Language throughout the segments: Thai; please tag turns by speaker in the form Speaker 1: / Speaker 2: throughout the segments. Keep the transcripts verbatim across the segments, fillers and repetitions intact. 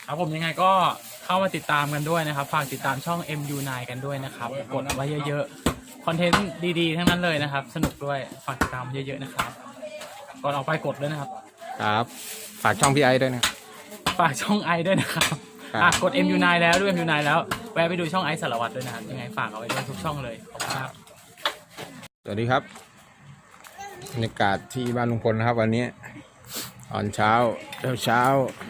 Speaker 1: ครับผมยังไงก็เข้ามาติดตามกันด้วยนะครับฝากติดตามช่อง เอ็ม ยู ไนน์ กันด้วยนะครับกดไว้เยอะๆคอนเทนต์ดีๆทั้งนั้นเลยนะครับสนุกด้วยฝากติดตามเยอะๆนะครับก่อนออกไปกดด้วยนะครับ
Speaker 2: ครับฝากช่องพี่ไอด้วยนะ
Speaker 1: ฝากช่องไอด้วยนะครับอ่ะกด เอ็ม ยู ไนน์ แล้วด้วย เอ็ม ยู ไนน์ แล้วแวะไปดูช่องไอสารวัตรด้วยนะครับยังไงฝากเอาไว้ด้วยทุกช่องเลยขอบคุณครับ
Speaker 2: สวัสดีครับบรรยากาศที่บ้านลุงพลนะครับวันนี้ตอนเช้าเช้าเช้า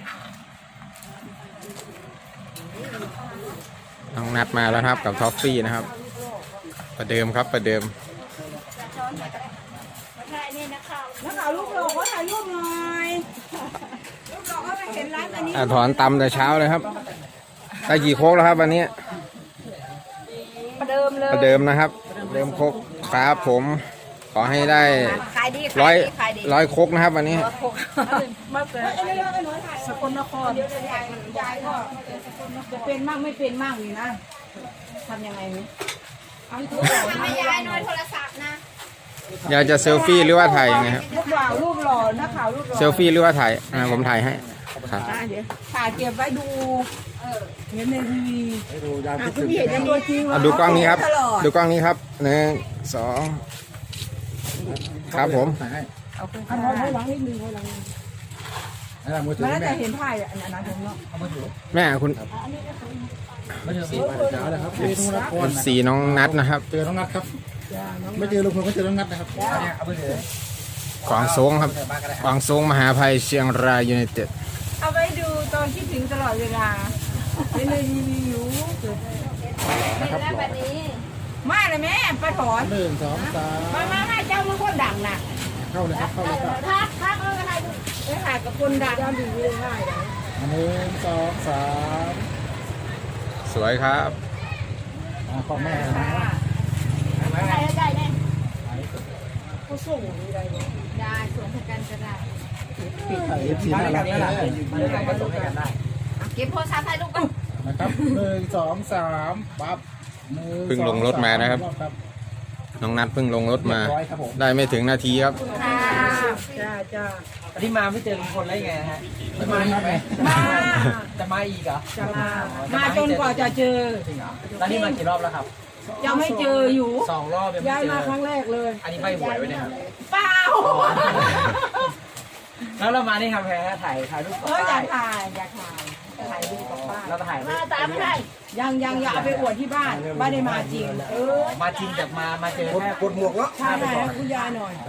Speaker 2: น้องนัดมาแล้วครับกับท็อฟฟี่นะครับประเดิมครับประเดิม
Speaker 3: นักข่าวลูกหล่อเขาถ่ายรูปหน่อยลูกหล่อเขาไปเห็นร้านอันนี้
Speaker 2: อ่าถอนตำแต่เช้าเลยครับได้กี่โคกแล้วครับวันนี้
Speaker 3: ประเดิมเลย
Speaker 2: ประเดิมนะครับเดิมโคกครับผมขอให้ได้ร้อยร้อยโคกนะครับวันนี้
Speaker 3: มาเกิดสกลนครยายก็จะเป็นมั่งไม่เป็นมั่งนี่นะทำยังไงนี่เอาทุกอย่างไม่ยายน้อยโทรศัพท์นะ
Speaker 2: อยากจะเซลฟี่หรือว่าถ่ายยังไงครับ
Speaker 3: ลูกหล่อรูปหล่อนักข่าวรูปหล่อ
Speaker 2: เซลฟี่หรือว่าถ่ายอ่าผมถ่ายให้ครับ
Speaker 3: เดี๋ยวถ่ายเก็บไว้ดูเห็นในทีวีดูยามที่เห็นในตัวจริงว่า
Speaker 2: ดูกล้องนี้ครับดูกล้องนี้ครับหนึ่งสองครับผม
Speaker 3: เอาไปถ่ายหลังนิดนึงไว้หลังนิดมันน่าจะเห็นถ่ายอันนั้นผมเนาะ
Speaker 2: แม่คุณสีน้องนัดนะครับ
Speaker 4: เจอน้องนัดครับไม่เจอลุงพลก็เจอน้องนัดนะครับ
Speaker 2: กวางซงครับกวางซงมหาภัยเชียงรายยูไนเต็ด
Speaker 3: เอาไว้ดูตอนคิดถึงตลอดเวลาเป็นเลยรีวิวนะครับแบบนี้มาเลยแม่ปะถอน
Speaker 4: หนึ่งสองสาม
Speaker 3: มามามาเจ้ามือคนดังน่ะ
Speaker 4: เข้าเลยครับเข้าเลยครับ
Speaker 3: ทักทักเอออะไรไปหากับคนดังยามดีเลยง่ายเลย
Speaker 4: หนึ่งสองสาม
Speaker 2: สวยครับ
Speaker 4: พ่อแม่นะ
Speaker 3: ได้ได้ได้ผู้ส่งได้ได้ส่งให้กันก็ได้
Speaker 4: เอฟซีน่ารักน่ารัก
Speaker 3: ก็ส่งให้กันได้เก็บโทรศัพท์ให้ลูกก่อน
Speaker 4: นะครับหนึ่งสองสามปั๊บ
Speaker 2: เพิ่งลงรถมานะครับน้องนัดเพิ่งลงรถมาได้ไม่ถึงนาทีครับ
Speaker 3: จ้าจ้า
Speaker 1: อันนี้มาไม่เจอลุงพลแล้วยังไงฮะ
Speaker 4: ไม่มาครับ
Speaker 3: มา
Speaker 1: จะมาอีกเหรอ
Speaker 3: จะมามาจนกว่าจะเจอ
Speaker 1: จริงเหรอแล้วนี่มากี่รอบแล้วครับ
Speaker 3: ยังไม่เจออยู่
Speaker 1: สองรอบ
Speaker 3: ย้ายมาครั้งแรกเลย
Speaker 1: อันนี้ใบหวยไว้เนี่ย
Speaker 3: เปล่า
Speaker 1: แล้วเรามานี่ครับแพ้ถ่ายถ่ายรูป
Speaker 3: เอออยากถ่ายอยากถ่ายถ่ายรูปกับป้า
Speaker 1: เราถ่าย
Speaker 3: มาตามไม่ได้ยังยังอยากเอาไปอวดที่บ้านไม่ได้มาจริงเออ
Speaker 1: มาจริงแต่มามาเจอแค่
Speaker 4: กดหมวกแล้ว
Speaker 3: ใช่ใช่คุณยายหน่อย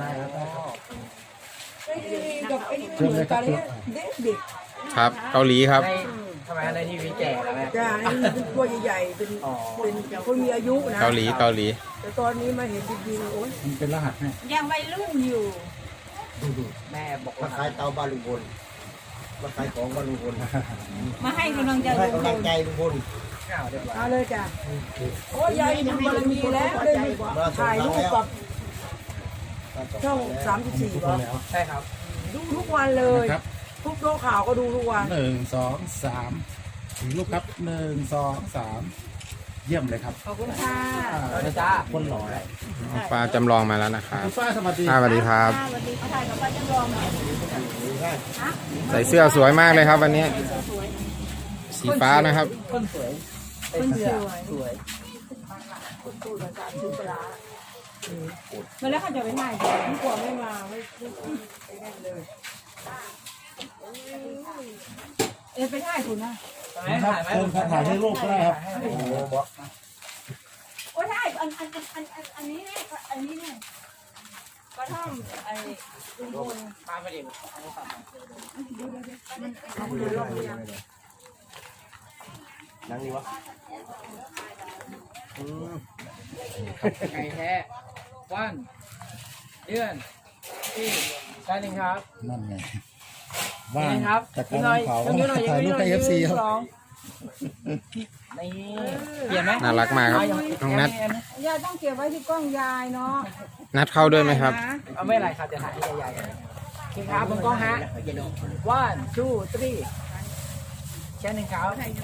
Speaker 3: กับไอ้นี่เหมือนกันเลยเด็กเด็ก
Speaker 2: ครับเกาหลีครับ
Speaker 1: ทำไมในทีวีแก่แล้วแม่
Speaker 3: จ้าเป็นตัวใหญ่ๆเป็นเป็นคนมีอายุนะ
Speaker 2: เกาหลีเกาหลี
Speaker 3: แต่ตอนนี้มาเห็นจริงๆโอ้ย
Speaker 4: มันเป็นรหัสให้
Speaker 3: ยังวัยรุ่นอยู่
Speaker 1: แม่บอก
Speaker 4: มาขายเตาบาลุงพลมาขายของบาลุงพล
Speaker 3: มาให้กำลังใจ
Speaker 4: ให้กำลังใจลุงพล
Speaker 3: เอาเลยจ้ะโอ้ยยายมีบารมีแล้วเลยถ่ายรูปกับช่องสามสิบสี่ป่ะ
Speaker 1: ใช่ครับ
Speaker 3: ดูทุกวันเลยทุกโลกข่าวก็ดูทุกวัน
Speaker 4: หนึ่งสองสามถึงลูกครับหนึ่งสองสามเยี่ยมเลยครับ
Speaker 3: ขอบคุณค่ะ
Speaker 1: จ้า
Speaker 4: คนหล่อ
Speaker 2: ป้าจำลองมาแล้วนะครับ
Speaker 4: ป้าสวัสดี
Speaker 2: สวัสดีครับ
Speaker 3: สวัสดีค่ะถ่ายกับป้าจำลอง
Speaker 2: ใส่เสื้อสวยมากเลยครับวันนี้สีฟ้านะครับ
Speaker 1: คนสวย
Speaker 3: คนสวย
Speaker 1: สวย
Speaker 3: คนตูดอาจารย์ซื้อปลาเมื่อแล้วเขาจะไปไหนไม่กลัวไม่มาไม่ไม่ได้เลยเอ๊ะไปถ่ายคุณนะ
Speaker 4: ถ่ายไหมถ่ายให้รูปก็ได้ครับ
Speaker 3: โอ้ถ่ายอันอันอันอันอันอันนี้เนี่ยอันนี้เนี่ยกระท่อมไอ้ลุงพล
Speaker 1: มาไปดิ
Speaker 4: นั่งดีวะ
Speaker 1: ไก่แท้วันเดือนที่ใช่หนึ่งครับ
Speaker 4: นั่นไง
Speaker 1: ว่างครับ
Speaker 4: จากการเผาถ่ายรูปกับเอฟซีครับ
Speaker 1: นี่เปลี่ยนไหม
Speaker 2: น่ารักมากครับน้องนัท
Speaker 3: ยายต้องเก็บไว้ที่กล้องยายเนาะ
Speaker 2: นัดเข้าด้วยไหมครับ
Speaker 1: เอาไม่ไรครับจะถ่ายที่ยายคิงครับบนกล้องฮะ one two three แค่หนึ่งครับ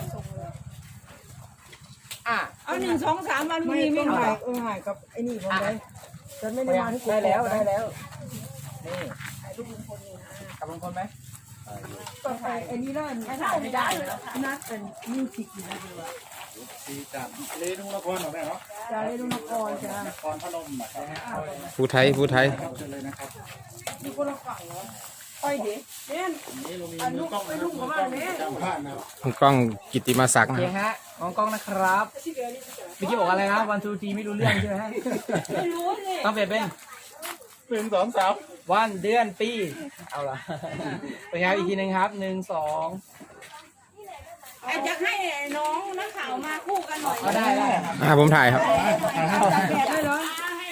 Speaker 3: อ่ะเอาหนึ่งสองสามวันนี้ไม่ถ่ายเออถ่ายกับไอ้นี่ผมเลยฉันไม่ได้มาที่
Speaker 1: ได้แล้วได้แล้วนี่ถ่ายรูปลุงพลนี่นะกับลุงพลไหม
Speaker 3: ต่อไปไอ้นี่เล่นไม่ถ่ายไม่ได้นัดเป็นมิวสิกอยู่นะดูว่า
Speaker 4: สีจากเลนุ่งละครหน่อยแม่เนาะ
Speaker 3: จะเล่นนครจ้ะ
Speaker 4: นครพนมนะครับ
Speaker 2: ผู้ไทยผู้ไทย
Speaker 4: ครับเชิญเลยนะครับ
Speaker 3: มีคนละฝั่งเหรอไปเด็กเนี่ย
Speaker 4: นี่เรามี
Speaker 3: อัน
Speaker 4: มื
Speaker 3: ลู
Speaker 4: อก กล้อง
Speaker 3: ไป
Speaker 4: นะค
Speaker 3: ลู
Speaker 4: รับ
Speaker 3: ก
Speaker 4: มื
Speaker 3: เขา
Speaker 4: อกล้
Speaker 3: บ้า
Speaker 4: อง
Speaker 3: เนี่ย
Speaker 4: จำพลาดนะครับ
Speaker 2: คุณกล้องกิตติมาศักดิ์นะ
Speaker 1: เพียงฮะมองกล้องนะครับเมื่อกี้บอกอะไรนะวันทูทีไม่รู้เรื่องใช่ไหมฮะ
Speaker 3: ไม่รู้สิ
Speaker 1: ต้องเปลี่ยนเป็น
Speaker 4: หนึ่งสองสาม
Speaker 1: วันเดือนปีเอาละไปครับอีกทีหนึ่งครับหนึ่งสอง
Speaker 3: ไอ้จะให้น้องนักข่าวมาคู่กันหน่อย
Speaker 1: ก็ได้ได้ครับ
Speaker 2: อ่าผมถ่ายครับ
Speaker 3: แบบด้วยเหรอ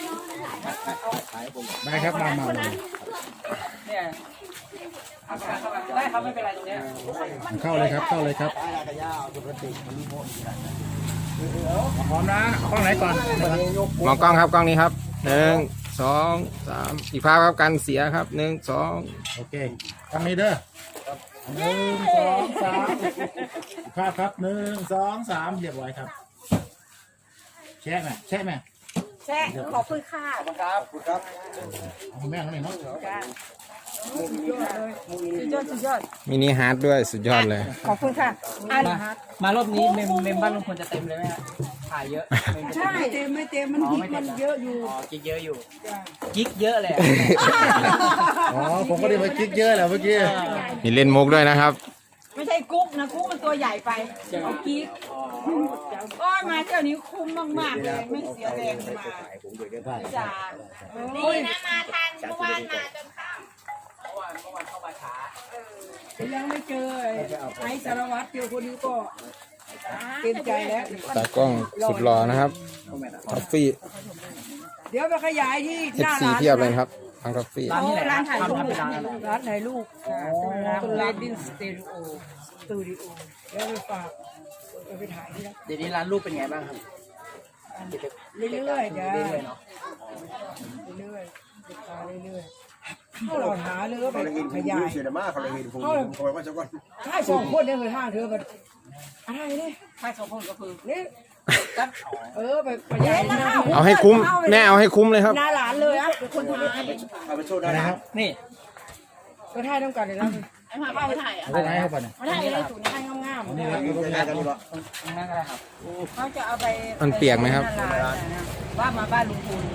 Speaker 4: ได้ครับมามามา
Speaker 1: เนี่ยเอาเข้ามาได้ครับไม่เป็นไรตรงเนี้ย
Speaker 4: เข้าเลยครับเข้าเลยครับพร้อมนะกล้องไหนก่อน
Speaker 2: มองกล้องครับกล้องนี้ครับหนึ่งสองสามอีกภาพครับกันเสียครับหนึ่งสอง
Speaker 4: โอเคกล้องนี้เด้อหนึ่งสองสามภาพครับหนึ่งสองสามเรียบร้อยครับแช่ไหมแช่ไหม
Speaker 3: แช่ขอบคุณค่ะ
Speaker 1: ครับครับ
Speaker 4: เอาแม่งหน่อยเนาะ
Speaker 3: สุดยอดเลยสุดยอดสุดยอด
Speaker 2: มินิฮาร์ดด้วยสุดยอดเลย
Speaker 3: ขอบคุณค่ะอัน
Speaker 1: มามารอบนี้เมมเมมบ้านลุงพลจะเต็มเลยไหมฮะถ่ายเยอะเมมจะ
Speaker 3: ใช่เต็มไม่เต็มมันฮิตมันเยอะอยู่
Speaker 1: อ๋อกิ๊กเยอะอยู่กิ๊กเยอะเลยอะ
Speaker 4: อ๋อผมก็ได้ไปคลิกเยอะแหละเมื่อกี้
Speaker 2: มีเล่นมุกด้วยนะครับ
Speaker 3: ไม่ใช่กุ๊กนะกุ๊กมันตัวใหญ่ไปเอากิ๊กก็มาเที่ยวนี้คุ้มมากๆเลยไม่เสียแรงมาจ้าดีนะมาทันเมื่อวานมาจนค่ำ
Speaker 1: เมื่อวานเมื่อวานเข้ามาช้า
Speaker 3: ยังไม่เจอไอ้สารวัตรเดียวคนนี้ก็เต็มใจแล้ว
Speaker 2: ตากล้องสุดหล่อนะครับท็อฟฟี่
Speaker 3: เดี๋ยวไปขยายที่
Speaker 2: เอ
Speaker 3: ห
Speaker 2: ฟ
Speaker 3: น้า
Speaker 2: ซี
Speaker 3: ร้าน
Speaker 2: เทียบเลยครับทางท็อฟฟี่
Speaker 1: ร้านที่ไหน
Speaker 3: ร้านถ่ายรูป
Speaker 1: ทำเป็นร้านอะไร
Speaker 3: ร้านถ่ายรูปต้นเลดินสเตดิโอสตูดิโอเดี๋ยวไปฝากไปถ่ายที่นั่น
Speaker 1: เดี๋ยวนี้ร้านรูปเป็นไงบ้างครับ
Speaker 3: เรื่อยๆจ้า
Speaker 1: เรื่อยๆเนาะ
Speaker 3: เรื่อยๆติดตามเรื่อยๆเขาเราหาเรือไปขยาย
Speaker 5: เสียดายเขาเลยเห็นผมคอยว่าจะก่อน
Speaker 3: ถ้าสองคนเนี่ยเคยห้างเธอกันอะไรเนี่ยถ้าสองคนก็คือนี่เออไปขยายหน้า
Speaker 2: เอาให้คุ้มแม่เอาให้คุ้มเลยครับ
Speaker 3: หน้าร้านเลยอ่ะเป็นคนถ่าย
Speaker 5: เอาไปโชว์ได้
Speaker 4: นะ
Speaker 5: นะ
Speaker 4: ค
Speaker 5: ค
Speaker 4: รั
Speaker 5: รั
Speaker 4: บบ
Speaker 1: นี่
Speaker 3: ก็ถ่ายต้องกันเลยนะไอ้มาไปถ่ายอ่ะ
Speaker 4: เอาไปไหนครับก่อนเนี่ย
Speaker 3: มาถ่ายเลยสูงถ่ายงามๆ
Speaker 4: นี่ครับ
Speaker 5: มีงานกันดีกว่า
Speaker 1: ตรงนั้นก็ได้ครับ
Speaker 3: เขาจะเอาไป
Speaker 2: มันเปียกไหมครับ
Speaker 3: ว่ามาบ้านลุงพูน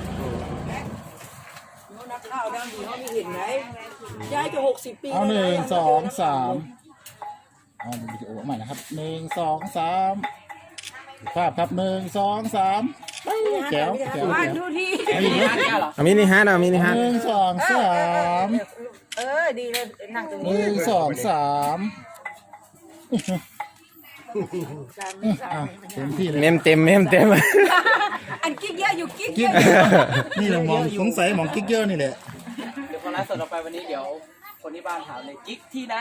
Speaker 3: นักข่าวดังดีเขาไม่เห็นไหมยายจะหกสิบปี
Speaker 4: เอาหนึ่งสองสามเอาวิดีโอใหม่นะครับหนึ่งสองสามภาพครับหนึ่งสองสามแจ๋วแจ๋ว
Speaker 3: บ้าน
Speaker 4: แจ๋ว
Speaker 3: ดูที่
Speaker 1: ร้านแก้วเหรอ
Speaker 2: เอามินิฮาร์ดเอามินิฮาร์ด
Speaker 4: หนึ่งสองสาม
Speaker 3: เออดีเลยนั่งตรง
Speaker 4: ห
Speaker 3: นี้
Speaker 4: นึ่งสองสามอ่ะเต็มที่เลย
Speaker 2: เมมเต็มเมมเต็ม
Speaker 3: อันกิ๊กเยอะอยู่กิ๊กเย
Speaker 4: กิ๊ก
Speaker 3: อะ
Speaker 4: นี่เรามองสงสัยมองกิ๊กเยอะนี่แหละ
Speaker 1: เดี๋ยวพอไลฟ์สดออกไปวันนี้เดี๋ยวคนที่บ้านถามเลยกิ๊กที่ไหน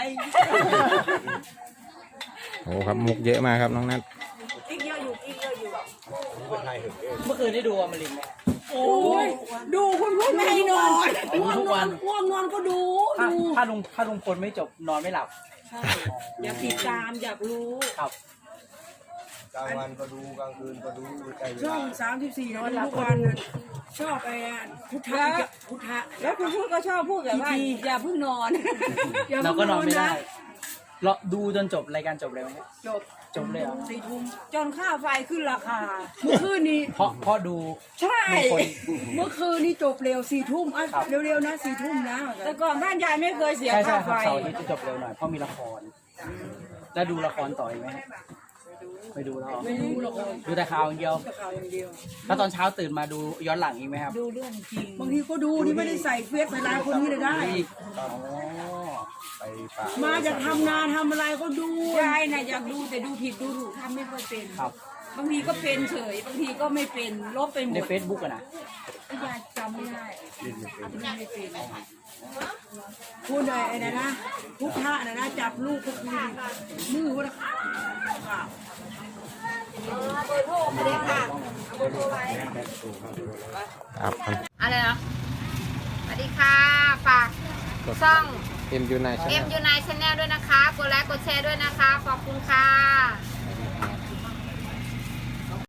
Speaker 2: โอ้ครับมุกเยอะมากครับน้องนัท
Speaker 3: กิ๊กเยอะอยู่กิ๊กเยอะอยู่
Speaker 1: เมื่อคืนได้ดูอมรินทร์ไหม
Speaker 3: โอ้ยดูคุณพูดไม่ให้นอน
Speaker 1: ดูทุกวัน
Speaker 3: ง่วงนอนก็ดู
Speaker 1: ถ้า
Speaker 3: ดู
Speaker 1: ถ้าลุงถ้าลุงพลไม่จบนอนไม่หลับ
Speaker 3: ใช่อยากติดตามอยากรู้
Speaker 1: ครับ
Speaker 5: กลางวันก็ดูกลางคืนก็ดูใจเว
Speaker 3: ช่อ
Speaker 5: ลาง
Speaker 3: สามสิบสี่นอนทุกวันน่ะชอบไอ้พุทธะพุทธะแล้วคุณพูดก็ชอบพูดแบบว่าอย่าเพิ่งนอน
Speaker 1: เราก็นอนไม่ได้เราดูจนจบรายการจบเลยไหม
Speaker 3: จบ
Speaker 1: จบเลยเหรอ
Speaker 3: สี่ทุ่มจนค่าไฟขึ้นราคา เมื่อคืนนี้
Speaker 1: เพราะเพราะดู
Speaker 3: ใช่
Speaker 1: ลุงพล
Speaker 3: เมื่อคืนนี้จบเร็วสี่ทุ่มอ่ะ
Speaker 1: ครับ
Speaker 3: เร็วๆนะสี่ทุ่มนะแต่ก่อนบ้านยายไม่เคยเสีย
Speaker 1: ใช่ใช่
Speaker 3: ค่า
Speaker 1: ครับ
Speaker 3: ไฟ
Speaker 1: เสาร์อาทิตย์จะจบเร็วหน่อยเพราะมีละคร แล้วดูละครต่ออีกไหมฮะไม่ดูแล้วเหรอ
Speaker 3: ไม่รู้หรอก
Speaker 1: ดูแต่ข่าวอย่างเดียว
Speaker 3: ข่าวอย่างเดียว
Speaker 1: แล้วตอนเช้าตื่นมาดูย้อนหลังอีกไหมครับ
Speaker 3: ดูเรื่องจริงบางทีก็ดูนี่ไม่ได้ใส่เฟซใส่ไลน์คนนี้เลยได้
Speaker 1: อีกอ๋อ
Speaker 5: ไปป่า
Speaker 3: มาจะทำงานทำอะไรก็ดูยายน่ะอยากดูแต่ดูผิดดูถูกทำไม่ค่อยเป็น
Speaker 1: ครับ
Speaker 3: บางทีก็เป็นเฉย บางทีก็ไม่เป็นลบไปหม
Speaker 1: ใน
Speaker 3: ด
Speaker 1: เฟซบุ๊กอะนะ
Speaker 3: ยายจำไม่ได้จำไม่เป็นพูดเลยไอ้นะนะพุทธะนะนะจับลูกก็คือมือว่าค่ะเบอร์โทรมาเลยค่ะเบอร์โทรไว้
Speaker 2: ครับ
Speaker 6: อะไรนะสวัสดีค่ะ ฝากช่อง
Speaker 2: เอ็มยูไน
Speaker 6: เอ็มยูไนชาแนลด้วยนะคะ กดไลค์ กดแชร์ด้วยนะคะ ขอบคุณค่ะ